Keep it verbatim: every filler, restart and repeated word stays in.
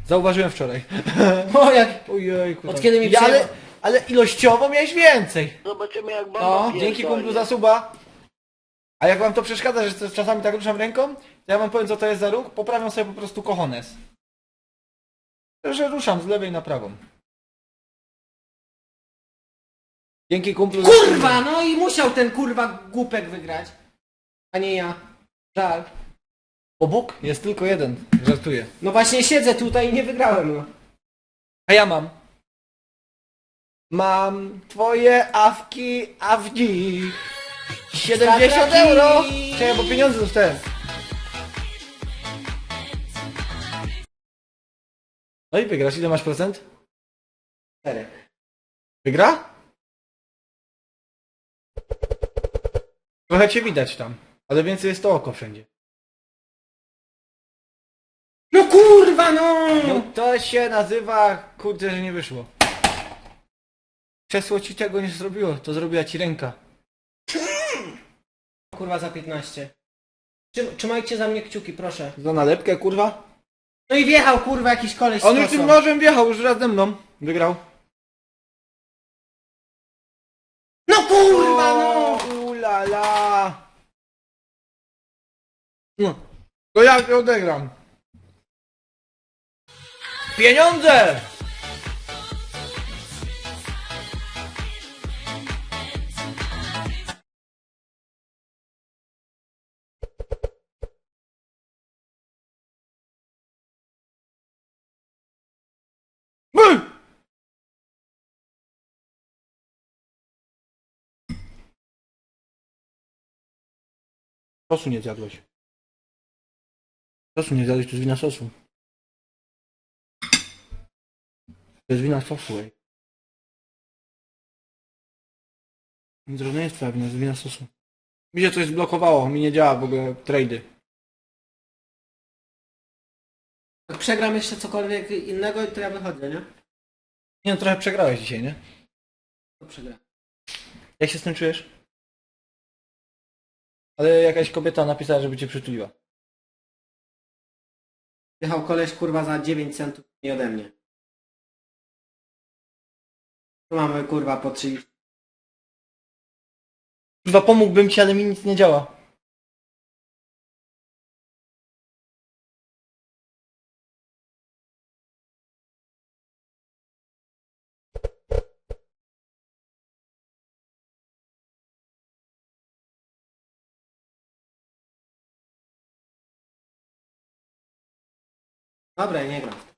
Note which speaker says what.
Speaker 1: Zauważyłem wczoraj.
Speaker 2: O jak...
Speaker 1: Ojejku.
Speaker 2: Od kiedy mi
Speaker 1: ja, ale,
Speaker 2: przejęło-
Speaker 1: ale ilościowo miałeś więcej.
Speaker 3: Zobaczymy jak bomba
Speaker 2: No,
Speaker 3: pierdolnie.
Speaker 1: Dzięki kumplu za suba. A jak wam to przeszkadza, że czasami tak ruszam ręką, to ja wam powiem co to jest za ruch, poprawiam sobie po prostu cojones. Że ruszam z lewej na prawą. Dzięki kumplu za
Speaker 2: Kurwa, no i musiał ten kurwa głupek wygrać. A nie ja. Żal.
Speaker 1: Bo Bóg jest tylko jeden. Żartuję.
Speaker 2: No właśnie siedzę tutaj i nie wygrałem, no.
Speaker 1: A ja mam. Mam twoje awki, awki. siedemdziesiąt euro! Czekaj, bo pieniądze dostałem. No i wygrasz. Ile masz procent?
Speaker 2: Cztery.
Speaker 1: Wygra? Trochę cię widać tam. Ale więcej jest to oko wszędzie.
Speaker 2: No kurwa, no!
Speaker 1: No to się nazywa... Kurde, że nie wyszło. Krzesło ci tego nie zrobiło. To zrobiła ci ręka.
Speaker 2: Kurwa za piętnaście. Trzym, trzymajcie za mnie kciuki, proszę.
Speaker 1: Za nalepkę, kurwa.
Speaker 2: No i wjechał kurwa jakiś koleś z
Speaker 1: On już
Speaker 2: kosą.
Speaker 1: tym nożem wjechał, już raz ze mną. Wygrał.
Speaker 2: No kurwa, no!
Speaker 1: Ulala. No. To ja się odegram. Pieniądze! By! Sosu nie zjadłeś. Sosu nie zjadłeś, to jest wina sosu. To jest wina sosu, ej. To nie jest twoja wina, to jest wina sosu. Mi się coś zblokowało, mi nie działa w ogóle trady.
Speaker 2: Jak przegram jeszcze cokolwiek innego, to ja wychodzę, nie?
Speaker 1: Nie no, trochę przegrałeś dzisiaj, nie?
Speaker 2: To przegram.
Speaker 1: Jak się z tym czujesz? Ale jakaś kobieta napisała, żeby cię przytuliła.
Speaker 2: Wjechał koleś kurwa za dziewięć centów nie ode mnie. Tu mamy kurwa po trzydzieści.
Speaker 1: Chyba pomógłbym ci, ale mi nic nie działa.
Speaker 2: Dobra, nie gram.